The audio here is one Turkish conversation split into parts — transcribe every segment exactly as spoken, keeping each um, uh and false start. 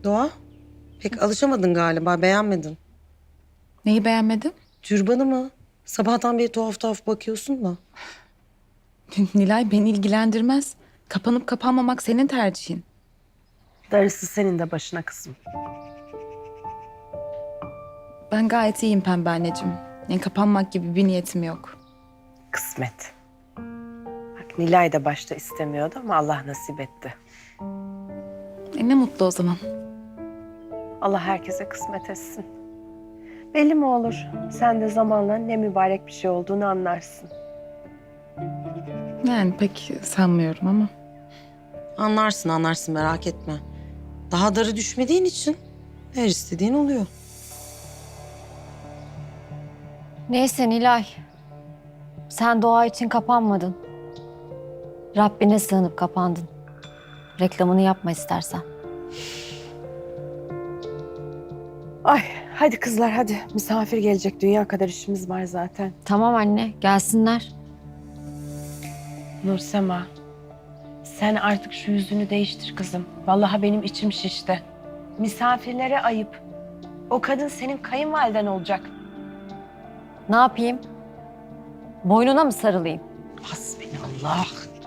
Doğa, pek alışamadın galiba, beğenmedin. Neyi beğenmedin? Türbanı mı? Sabahtan beri tuhaf tuhaf bakıyorsun da. Nilay beni ilgilendirmez. Kapanıp kapanmamak senin tercihin. Darısı senin de başına kızım. Ben gayet iyiyim pembe anneciğim. Yani kapanmak gibi bir niyetim yok. Kısmet. Bak Nilay da başta istemiyordu ama Allah nasip etti. E ne mutlu o zaman. Allah herkese kısmet etsin. Belli mi olur? Sen de zamanla ne mübarek bir şey olduğunu anlarsın. Yani pek sanmıyorum ama. Anlarsın anlarsın, merak etme. Daha darı düşmediğin için her istediğin oluyor. Neyse Nilay. Sen doğa için kapanmadın. Rabbine sığınıp kapandın. Reklamını yapma istersen. Ay hadi kızlar hadi. Misafir gelecek. Dünya kadar işimiz var zaten. Tamam anne, gelsinler. Nursema, sen artık şu yüzünü değiştir kızım. Vallahi benim içim şişti. Misafirlere ayıp. O kadın senin kayınvaliden olacak. Ne yapayım? Boynuna mı sarılayım? Hasbinallah.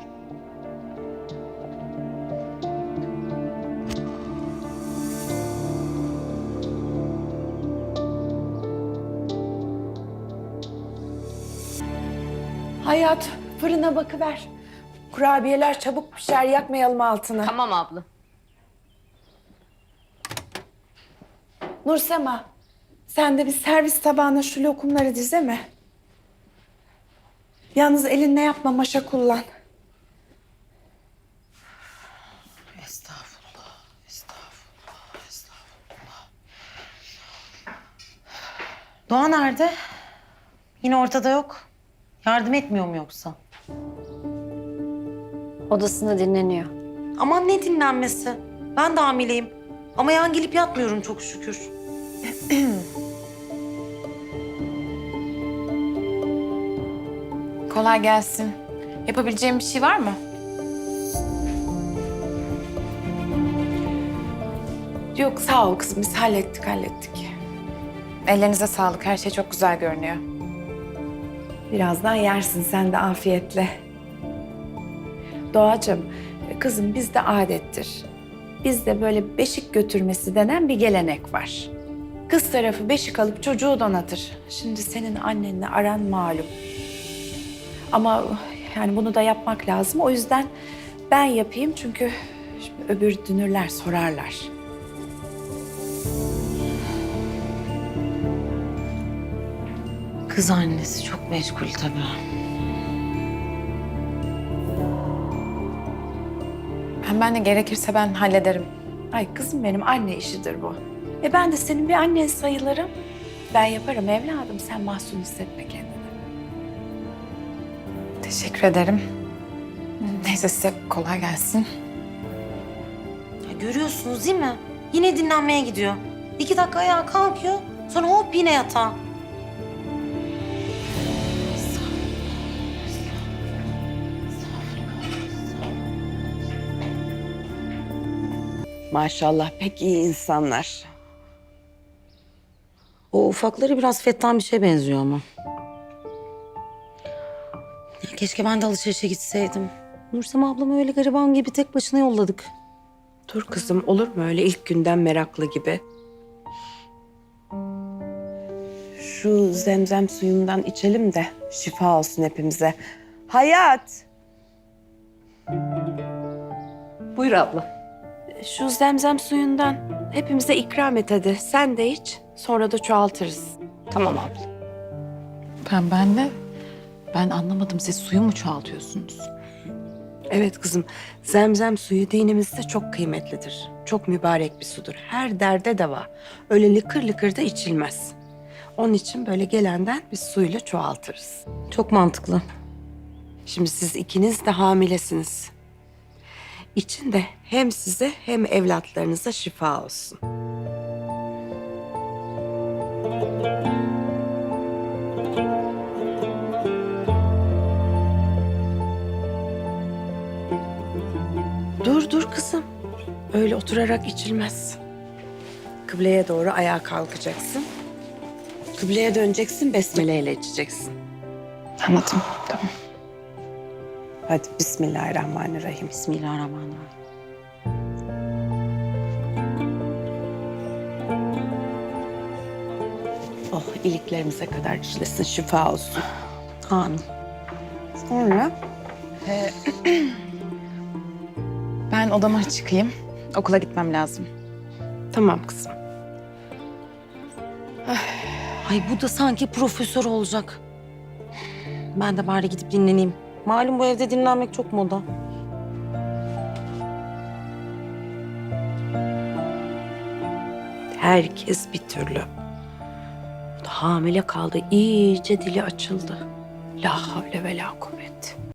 Hayat, fırına bakıver. Kurabiyeler çabuk pişer, yakmayalım altını. Tamam abla. Nursema, sen de bir servis tabağına şu lokumları dizeme. Yalnız elinle yapma, maşa kullan. Estağfurullah, estağfurullah, estağfurullah. Doğa nerede? Yine ortada yok. Yardım etmiyor mu yoksa? Odasında dinleniyor. Aman ne dinlenmesi. Ben de hamileyim. Ama yan gelip yatmıyorum çok şükür. Kolay gelsin. Yapabileceğim bir şey var mı? Yok sağ ol kızım, biz hallettik hallettik. Ellerinize sağlık. Her şey çok güzel görünüyor. Birazdan yersin sen de afiyetle. Doğacığım, kızım bizde adettir. Bizde böyle beşik götürmesi denen bir gelenek var. Kız tarafı beşik alıp çocuğu donatır. Şimdi senin annenle aran malum. Ama yani bunu da yapmak lazım. O yüzden ben yapayım çünkü şimdi öbür dünürler sorarlar. Kız annesi çok meşgul tabii. Ben, ben de gerekirse ben hallederim. Ay kızım benim, anne işidir bu. E ben de senin bir annen sayılırım. Ben yaparım evladım, sen mahzun hissetme kendini. Teşekkür ederim. Neyse size kolay gelsin. Ya görüyorsunuz değil mi? Yine dinlenmeye gidiyor. İki dakika ayağa kalkıyor. Sonra hop yine yatağa. Maşallah pek iyi insanlar. O ufakları biraz fettan bir şeye benziyor ama. Ya keşke ben de alışverişe gitseydim. Nursema ablamı öyle gariban gibi tek başına yolladık. Dur kızım, olur mu öyle ilk günden meraklı gibi? Şu zemzem suyundan içelim de şifa olsun hepimize. Hayat! Buyur abla. Şu zemzem suyundan hepimize ikram et hadi. Sen de iç, sonra da çoğaltırız. Tamam abla. Ben ben de ben anlamadım. Siz suyu mu çoğaltıyorsunuz? Evet kızım, zemzem suyu dinimizde çok kıymetlidir. Çok mübarek bir sudur. Her derde deva. Öyle lıkır lıkır da içilmez. Onun için böyle gelenden biz suyla çoğaltırız. Çok mantıklı. Şimdi siz ikiniz de hamilesiniz. İçin de hem size hem evlatlarınıza şifa olsun. Dur dur kızım. Öyle oturarak içilmez. Kıbleye doğru ayağa kalkacaksın. Kıbleye döneceksin, besmele ile içeceksin. Anladım. Tamam. Hadi Bismillahirrahmanirrahim. Bismillahirrahmanirrahim. Oh, iliklerimize kadar işlesin, şifa olsun. Amin. Sonra Ben odama çıkayım. Okula gitmem lazım. tamam kızım. Ay bu da sanki profesör olacak. Ben de bari gidip dinleneyim. Malum bu evde dinlenmek çok moda. Herkes bir türlü. Bu da hamile kaldı, iyice dili açıldı. La havle ve la kuvvet.